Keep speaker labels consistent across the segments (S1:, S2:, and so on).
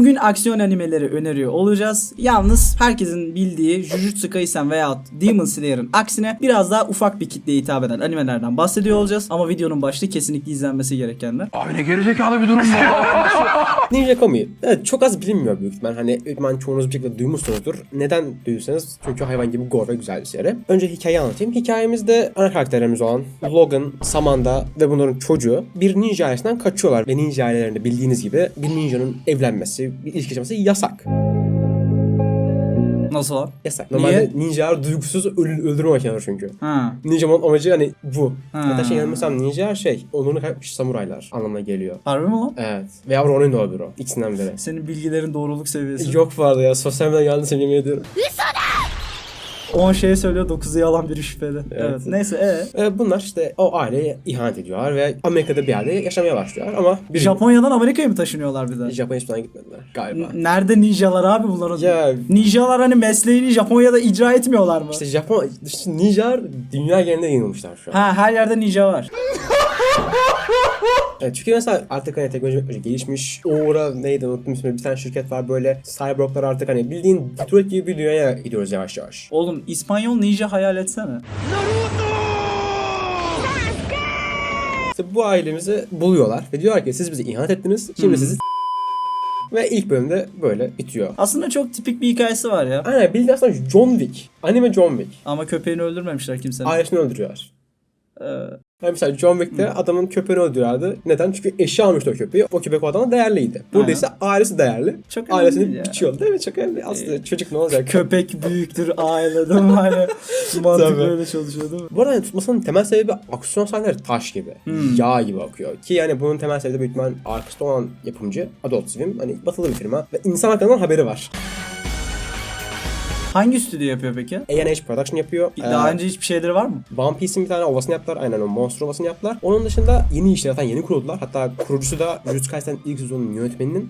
S1: Bugün aksiyon animeleri öneriyor olacağız. Yalnız herkesin bildiği Jujutsu Kaisen veya Demon Slayer'ın aksine biraz daha ufak bir kitleye hitap eden animelerden bahsediyor olacağız. Ama videonun başlığı kesinlikle izlenmesi gerekenler.
S2: Abi ne gerizekalı bir durum bu.
S3: Ninja Kami. Evet, çok az bilinmiyor büyük ihtimal. Hani çoğunuz bir şekilde duymuşsunuzdur. Neden duyduysanız çünkü hayvan gibi gore ve güzel bir seri. Önce hikayeyi anlatayım. Hikayemizde ana karakterlerimiz olan Logan, Samantha ve bunların çocuğu bir ninja ailesinden kaçıyorlar. Ve ninja ailelerinde bildiğiniz gibi bir ninjanın evlenmesi, bir ilişki yaşaması yasak.
S1: Nasıl o?
S3: Yasak. Normalde ninjalar duygusuz öldürme makineleri çünkü.
S1: Ha.
S3: Ninja'nın amacı hani bu.
S1: Ha.
S3: Hatta yanılmıyorsam ninja onurunu kaybetmiş samuraylar anlamına geliyor.
S1: Harbi mi lan?
S3: Evet. Veya Ronin de olabilir o. İkisinden biri.
S1: Senin bilgilerin doğruluk seviyesi.
S3: Yok vardı ya. Sosyal medyadan geldi seni yemin ediyorum.
S1: 10 şey söylüyor, 9'u yalan, biri şüpheli. Evet. Neyse
S3: Bunlar işte o aileye ihanet ediyorlar ve Amerika'da bir yerde yaşamaya başlıyorlar ama
S1: Japonya'dan Amerika'ya mı taşınıyorlar bir de?
S3: Japonya hiçbir zaman gitmediler galiba.
S1: Nerede ninjalar abi bunların?
S3: Ya
S1: Ninjalar hani mesleğini Japonya'da icra etmiyorlar mı?
S3: işte ninjalar dünya genelinde yayılmışlar şu an.
S1: Ha, her yerde ninja var.
S3: Evet, çünkü mesela artık hani teknoloji gelişmiş. Neydi unuttum ismini. Bir tane şirket var böyle cyborglar artık hani bildiğin Detroit gibi bir dünyaya gidiyoruz yavaş yavaş.
S1: Oğlum İspanyol ninja hayal etsene.
S3: İşte bu ailemizi buluyorlar ve diyorlar ki siz bizi ihanet ettiniz. Şimdi sizi ve ilk bölümde böyle bitiyor.
S1: Aslında çok tipik bir hikayesi var ya.
S3: Aynen bildiğin aslında John Wick. Anime John Wick.
S1: Ama köpeğini öldürmemişler kimsenin.
S3: Ailesini öldürüyorlar.
S1: Ee,
S3: Yani mesela John Wick'te adamın köpeğini öldürüyorlardı. Neden? Çünkü eşi almıştı o köpeği. O köpek o adama değerliydi. Burada ise ailesi değerli.
S1: Çok önemli
S3: Ailesini
S1: değil ya.
S3: biçiyordu. Değil mi? Çok önemli. Aslında çocuk ne olacak?
S1: Köpek büyüktür aile değil mi? Hani mantık
S3: Tabii.
S1: böyle çalışıyor değil mi?
S3: Bu arada yani tutmasının temel sebebi aksiyon sahneleri taş gibi. Yağ gibi akıyor. Ki yani bunun temel sebebi büyük ihtimal arkasında olan yapımcı Adult Swim. Hani batılı bir firma. Ve insan haklarından haberi var.
S1: Hangi stüdyo yapıyor peki?
S3: A&H Production yapıyor.
S1: Daha önce hiçbir şeyleri var mı?
S3: One Piece'in bir tane ovasını yaptılar. Aynen o Monster ovasını yaptılar. Onun dışında yeni işler zaten yeni kuruldular. Hatta kurucusu da Jujutsu Kaisen ilk sezonun yönetmeni.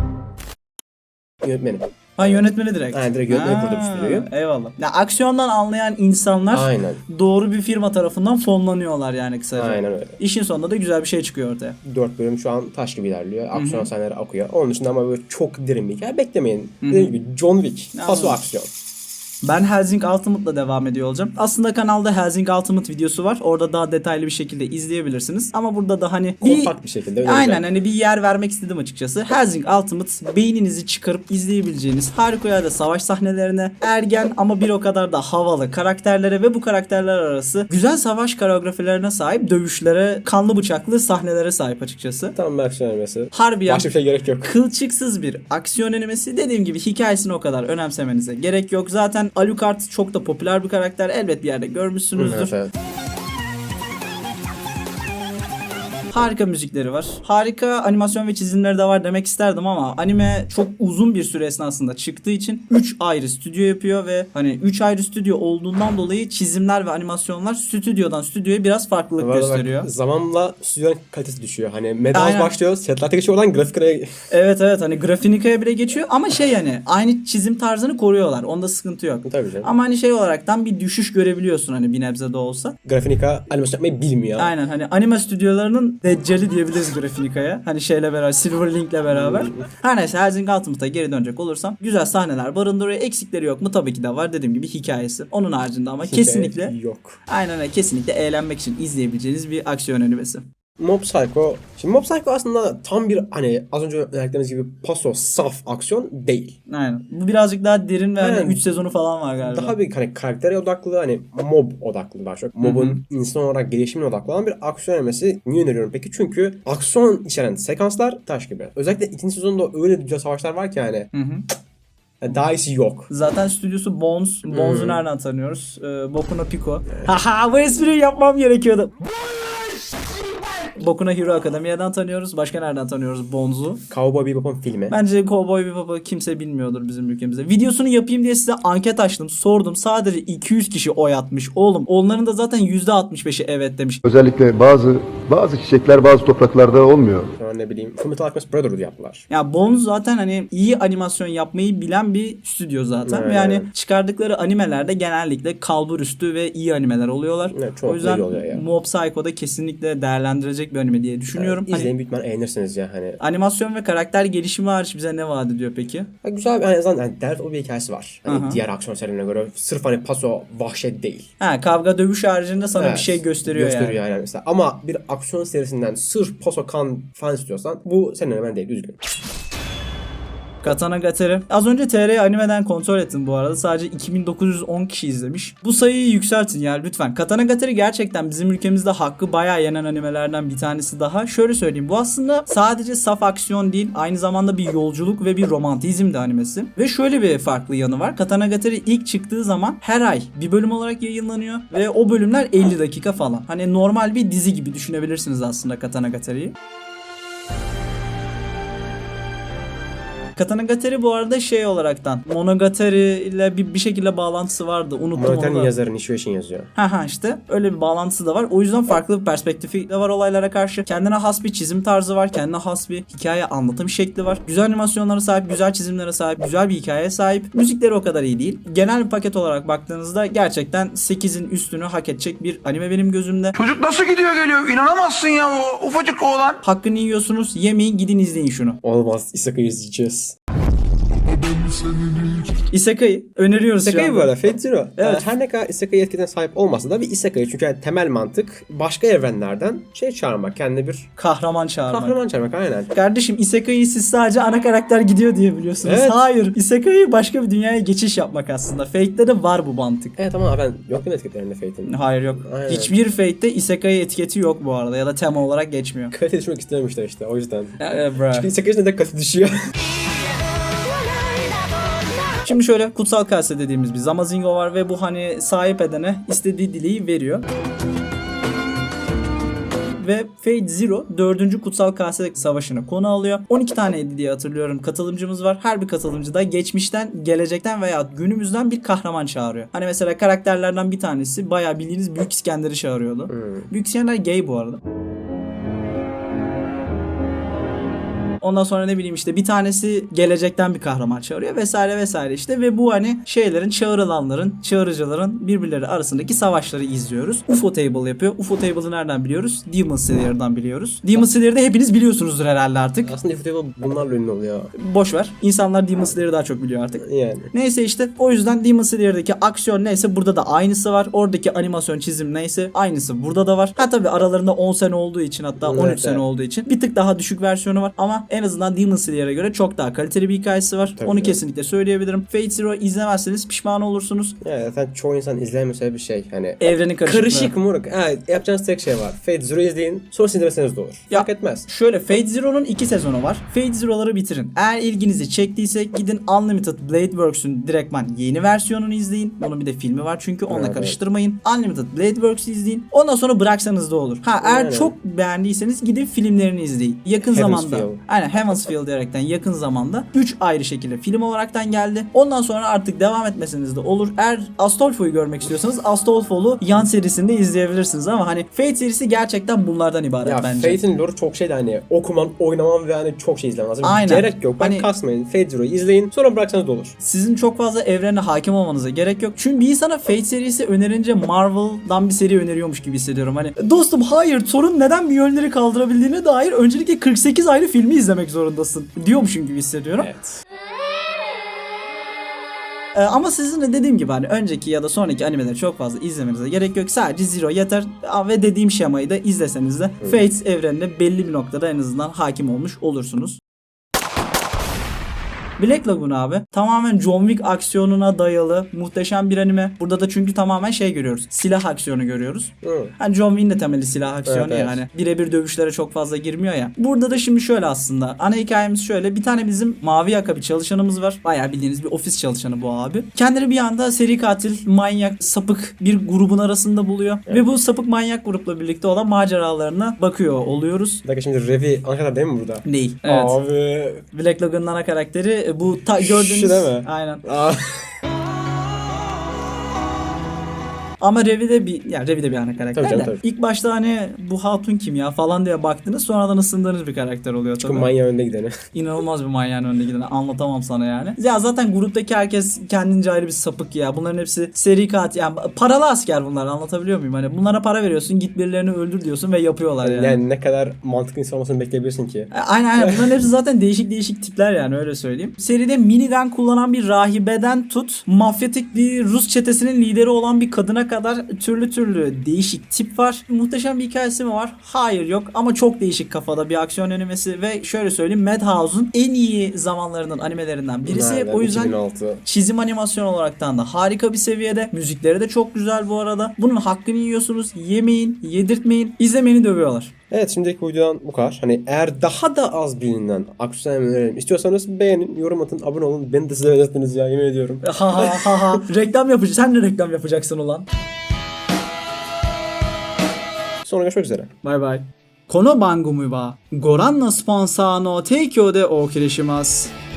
S1: Ha, yönetmeni direkt.
S3: Aynen, direkt yönetmeni kurdu bu stüdyoyu.
S1: Eyvallah. Ya aksiyondan anlayan insanlar
S3: Aynen.
S1: doğru bir firma tarafından fonlanıyorlar yani kısaca.
S3: Aynen öyle.
S1: İşin sonunda da güzel bir şey çıkıyor ortaya.
S3: 4 bölüm şu an taş gibi ilerliyor. Aksiyon sahneleri akıyor. Onun dışında ama böyle çok derin bir hikaye beklemeyin. Dediğim gibi John Wick. Paso aksiyon.
S1: Ben Hellsing Ultimate'la devam ediyor olacağım. Aslında kanalda Hellsing Ultimate videosu var. Orada daha detaylı bir şekilde izleyebilirsiniz. Ama burada da hani
S3: Kompakt bir şekilde önereceğim.
S1: aynen hani bir yer vermek istedim açıkçası. Hellsing Ultimate beyninizi çıkarıp izleyebileceğiniz harikulade savaş sahnelerine, ergen ama bir o kadar da havalı karakterlere ve bu karakterler arası güzel savaş koreografilerine sahip dövüşlere, kanlı bıçaklı sahnelere sahip açıkçası.
S3: Tam bir aksiyon animesi.
S1: Harbiyen
S3: Başka bir şey gerek yok.
S1: kılçıksız bir aksiyon animesi. Dediğim gibi hikayesini o kadar önemsemenize gerek yok. Zaten Alucard çok da popüler bir karakter. Elbet bir yerde görmüşsünüzdür.
S3: Evet.
S1: Harika müzikleri var. Harika animasyon ve çizimleri de var demek isterdim ama anime çok uzun bir süre esnasında çıktığı için 3 ayrı stüdyo yapıyor ve hani 3 ayrı stüdyo olduğundan dolayı çizimler ve animasyonlar stüdyodan stüdyoya biraz farklılık gösteriyor.
S3: Zamanla stüdyonun kalitesi düşüyor. Hani Madhouse
S1: Aynen.
S3: başlıyor, setlerde geçiyor oradan grafikaya...
S1: Evet hani Grafinika'ya bile geçiyor ama yani aynı çizim tarzını koruyorlar. Onda sıkıntı yok.
S3: Tabii canım.
S1: Ama hani olaraktan bir düşüş görebiliyorsun hani bir nebze de olsa.
S3: Grafinika animasyon yapmayı bilmiyor.
S1: Aynen hani anime stüdyolarının deccali diyebiliriz Grafinika'ya. Hani beraber Silverlink'le beraber. Her neyse Hellsing Ultimate'a geri dönecek olursam güzel sahneler barındırıyor. Eksikleri yok mu? Tabii ki de var. Dediğim gibi hikayesi. Onun haricinde ama kesinlikle
S3: yok.
S1: aynen öyle kesinlikle eğlenmek için izleyebileceğiniz bir aksiyon animesi.
S3: Mob Psycho. Şimdi Mob Psycho aslında tam bir hani az önce önerdiğimiz gibi paso, saf aksiyon değil.
S1: Aynen. Bu birazcık daha derin ve
S3: Aynen.
S1: 3 sezonu falan var galiba.
S3: Daha bir hani karaktere odaklı hani mob odaklı daha çok. Mob'un insan olarak gelişimine odaklı olan bir aksiyon animesi. Niye öneriyorum peki? Çünkü aksiyon içeren sekanslar taş gibi. Özellikle ikinci sezonda öyle güzel savaşlar var ki yani. Daha iyisi yok.
S1: Zaten stüdyosu Bones. Bones'u nereden tanıyoruz? Boku no Pico. Haha bu espriyi yapmam gerekiyordu. Boku no Hero Academia'dan tanıyoruz. Başka nereden tanıyoruz Bones'u?
S3: Cowboy Bebop'un filmi.
S1: Bence Cowboy Bebop'u kimse bilmiyordur bizim ülkemizde. Videosunu yapayım diye size anket açtım. Sordum. Sadece 200 kişi oy atmış. Oğlum onların da zaten %65'i evet demiş.
S4: Özellikle bazı çiçekler bazı topraklarda olmuyor.
S3: Sonra ne bileyim Fullmetal Alchemist Brotherhood yaptılar.
S1: Ya Bones zaten hani iyi animasyon yapmayı bilen bir stüdyo zaten.
S3: Evet.
S1: Ve yani çıkardıkları animelerde genellikle kalbur üstü ve iyi animeler oluyorlar.
S3: Evet, çok
S1: o yüzden
S3: iyi oluyor ya.
S1: Mob Psycho'da kesinlikle değerlendirecek bir bir anime diye düşünüyorum.
S3: İzleyin büyük ihtimalle eğlenirsiniz ya hani.
S1: Animasyon ve karakter gelişimi hariç bize ne vaat ediyor peki?
S3: Ha, güzel bir en azından yani dert o bir hikayesi var. Hani
S1: Aha.
S3: diğer aksiyon serilerine göre sırf hani paso vahşet değil.
S1: Ha, kavga dövüş haricinde sana
S3: Evet,
S1: bir şey gösteriyor yani.
S3: yani mesela. Ama bir aksiyon serisinden sırf paso kan falan istiyorsan bu senin hemen değil, üzgünüm.
S1: Katana Gatari. Az önce TR animeden kontrol ettim bu arada. Sadece 2910 kişi izlemiş. Bu sayıyı yükseltin ya lütfen. Katana Gatari gerçekten bizim ülkemizde hakkı bayağı yenen animelerden bir tanesi daha. Şöyle söyleyeyim. Bu aslında sadece saf aksiyon değil. Aynı zamanda bir yolculuk ve bir romantizm de animesi. Ve şöyle bir farklı yanı var. Katana Gatari ilk çıktığı zaman her ay bir bölüm olarak yayınlanıyor. Ve o bölümler 50 dakika falan. Hani normal bir dizi gibi düşünebilirsiniz aslında Katana Gatari'yi. Katana Gatari bu arada şey olaraktan Monogatari ile bir şekilde bağlantısı vardı. Unuttum onu
S3: Monogatari'nin
S1: da.
S3: yazarı Nishio yazıyor.
S1: Ha işte öyle bir bağlantısı da var. O yüzden farklı bir perspektifi de var olaylara karşı. Kendine has bir çizim tarzı var. Kendine has bir hikaye anlatım şekli var. Güzel animasyonlara sahip, güzel çizimlere sahip, güzel bir hikayeye sahip. Müzikleri o kadar iyi değil. Genel bir paket olarak baktığınızda gerçekten 8'in üstünü hak edecek bir anime benim gözümde.
S2: Çocuk nasıl gidiyor geliyor? İnanamazsın ya o ufacık oğlan.
S1: Hakkını yiyorsunuz. Yemeyin, gidin izleyin şunu.
S3: Olmaz. Isekai izleyeceğiz.
S1: Isekai öneriyoruz şu
S3: Isekai
S1: anda.
S3: bu arada Fate Zero.
S1: Evet.
S3: Her ne kadar Isekai etkiden sahip olmasa da bir Isekai çünkü yani temel mantık başka evrenlerden şey çağırmak, kendine bir
S1: Kahraman çağırmak.
S3: kahraman çağırmak aynen.
S1: Kardeşim Isekai'yi siz sadece ana karakter gidiyor diye biliyorsunuz.
S3: Evet.
S1: Hayır. Isekai başka bir dünyaya geçiş yapmak aslında. Fate'de de var bu mantık.
S3: Evet ama ben yok değil mi etiketlerinde Fate'in?
S1: Hayır yok.
S3: Aynen.
S1: Hiçbir Fate'de Isekai etiketi yok bu arada ya da tema olarak geçmiyor.
S3: Kalite düşmek istememişler işte o yüzden.
S1: Bra.
S3: Çünkü Isekai'nin de kalite düşüyor.
S1: Şimdi şöyle kutsal kase dediğimiz bir Zamazingo var ve bu hani sahip edene istediği dileği veriyor. Ve Fate Zero 4. Kutsal Kase Savaşı'nı konu alıyor. 12 taneydi diye hatırlıyorum katılımcımız var. Her bir katılımcı da geçmişten, gelecekten veya günümüzden bir kahraman çağırıyor. Hani mesela karakterlerden bir tanesi bayağı bildiğiniz Büyük İskender'i çağırıyordu. Büyük İskender gay bu arada. Ondan sonra ne bileyim işte bir tanesi gelecekten bir kahraman çağırıyor vesaire vesaire işte ve bu hani şeylerin çağrılanların, çağrıcıların birbirleri arasındaki savaşları izliyoruz. UFO Table yapıyor. UFO Table'ı nereden biliyoruz? Demon Slayer'dan biliyoruz. Demon Slayer'ı da hepiniz biliyorsunuzdur herhalde artık.
S3: Aslında Ufotable bunlarla ünlü oluyor.
S1: Boş ver. İnsanlar Demon Slayer'ı daha çok biliyor artık.
S3: Yani.
S1: Neyse işte o yüzden Demon Slayer'daki aksiyon neyse burada da aynısı var. Oradaki animasyon çizim neyse aynısı burada da var. Ha tabii aralarında 10 sene olduğu için hatta 13
S3: Evet,
S1: sene
S3: evet.
S1: olduğu için bir tık daha düşük versiyonu var ama en azından Demon Slayer'e göre çok daha kaliteli bir hikayesi var.
S3: Tabii
S1: Onu
S3: evet.
S1: kesinlikle söyleyebilirim. Fate Zero izlemezseniz pişman olursunuz.
S3: Yani zaten çoğu insan izlemiyorsa bir şey hani
S1: Evrenin karışıklığı.
S3: karışık moruk. Evet, yapacağınız tek şey var. Fate Zero izleyin. Sonra izlemeseniz de olur.
S1: Ya-
S3: Fark etmez.
S1: Şöyle Fate Zero'nun 2 sezonu var. Fate Zero'ları bitirin. Eğer ilginizi çektiyse gidin Unlimited Blade Works'ün direktman yeni versiyonunu izleyin. Bunun bir de filmi var çünkü onunla
S3: Evet,
S1: karıştırmayın. Unlimited Blade Works'ü izleyin. Ondan sonra bıraksanız da olur. Ha eğer
S3: Aynen.
S1: çok beğendiyseniz gidin filmlerini izleyin. Yakın
S3: Heaven's
S1: zamanda.
S3: Feel.
S1: Aynen Heaven's Feel diyerekten yakın zamanda 3 ayrı şekilde film olaraktan geldi. Ondan sonra artık devam etmeseniz de olur. Eğer Astolfo'yu görmek istiyorsanız Astolfo'lu yan serisinde izleyebilirsiniz ama hani Fate serisi gerçekten bunlardan ibaret
S3: Ya
S1: bence.
S3: Fate'in lore çok şeydi hani okuman, oynaman ve hani çok şey izlemen lazım.
S1: Aynen.
S3: Gerek yok. Bak
S1: Hani-
S3: kasmayın. Fate Zero'yu izleyin. Sonra bıraksanız da olur.
S1: Sizin çok fazla evrene hakim olmanıza gerek yok. Çünkü bir insana Fate serisi önerince Marvel'dan bir seri öneriyormuş gibi hissediyorum. Hani dostum hayır Thor'un neden Mjolnir'i kaldırabildiğine dair öncelikle 48 ayrı filmi izlemek zorundasın diyormuşum gibi hissediyorum.
S3: Evet.
S1: Ama sizin de dediğim gibi hani önceki ya da sonraki animeleri çok fazla izlemenize gerek yok. Sadece Zero yeter. Ve dediğim şemayı da izleseniz de Fate evrenine belli bir noktada en azından hakim olmuş olursunuz. Black Lagoon abi tamamen John Wick aksiyonuna dayalı muhteşem bir anime. Burada da çünkü tamamen şey görüyoruz. Silah aksiyonu görüyoruz.
S3: Hı.
S1: Hani John Wick'in de temeli silah aksiyonu
S3: Evet, evet.
S1: yani. Birebir dövüşlere çok fazla girmiyor ya. Burada da şimdi şöyle aslında. Ana hikayemiz şöyle. Bir tane bizim mavi yaka bir çalışanımız var. Bayağı bildiğiniz bir ofis çalışanı bu abi. Kendini bir anda seri katil, manyak, sapık bir grubun arasında buluyor. Ve bu sapık manyak grupla birlikte olan maceralarına bakıyor oluyoruz.
S3: Bir dakika şimdi Revi Ankara'da değil mi burada?
S1: Değil. Evet.
S3: Abi.
S1: Black Lagoon'un ana karakteri bu gördüğünüz.
S3: Şu değil mi?
S1: Aynen.
S3: Aa.
S1: Ama Revi de bir ana karakter
S3: Tabii canım,
S1: de.
S3: tabii.
S1: İlk başta hani bu hatun kim ya falan diye baktınız, sonradan ısındığınız bir karakter oluyor
S3: Çünkü
S1: tabii.
S3: manyağı önde gideni.
S1: İnanılmaz bir manyağın önde gideni, anlatamam sana yani. Ya zaten gruptaki herkes kendince ayrı bir sapık ya. Bunların hepsi seri katil. Yani paralı asker bunlar, anlatabiliyor muyum? Hani bunlara para veriyorsun, git birilerini öldür diyorsun ve yapıyorlar yani.
S3: Yani ne kadar mantıklı insan olmasını bekleyebilirsin ki.
S1: Aynen. Bunların hepsi zaten değişik tipler yani, öyle söyleyeyim. Seride minigun kullanan bir rahibeden tut, mafyatik bir Rus çetesinin lideri olan bir kadına kadar türlü değişik tip var. Muhteşem bir hikayesi mi var? Hayır, yok, ama çok değişik kafada bir aksiyon animesi ve şöyle söyleyeyim, Madhouse'un en iyi zamanlarının animelerinden birisi.
S3: Nereden?
S1: O yüzden
S3: 2006.
S1: çizim animasyon olaraktan da harika bir seviyede. Müzikleri de çok güzel bu arada. Bunun hakkını yiyorsunuz. Yemeyin, yedirtmeyin, izlemeni dövüyorlar.
S3: Evet, şimdiki videodan bu kadar. Hani eğer daha da az bilinen aksiyon animeleri istiyorsanız beğenin, yorum atın, abone olun. Beni de size öğrettiniz ya, yemin ediyorum.
S1: Ha. Reklam yapıcı. Sen de reklam yapacaksın ulan.
S3: Sonra görüşmek üzere.
S1: バイバイ。この番組はご覧のスポンサーの提供でお送りします。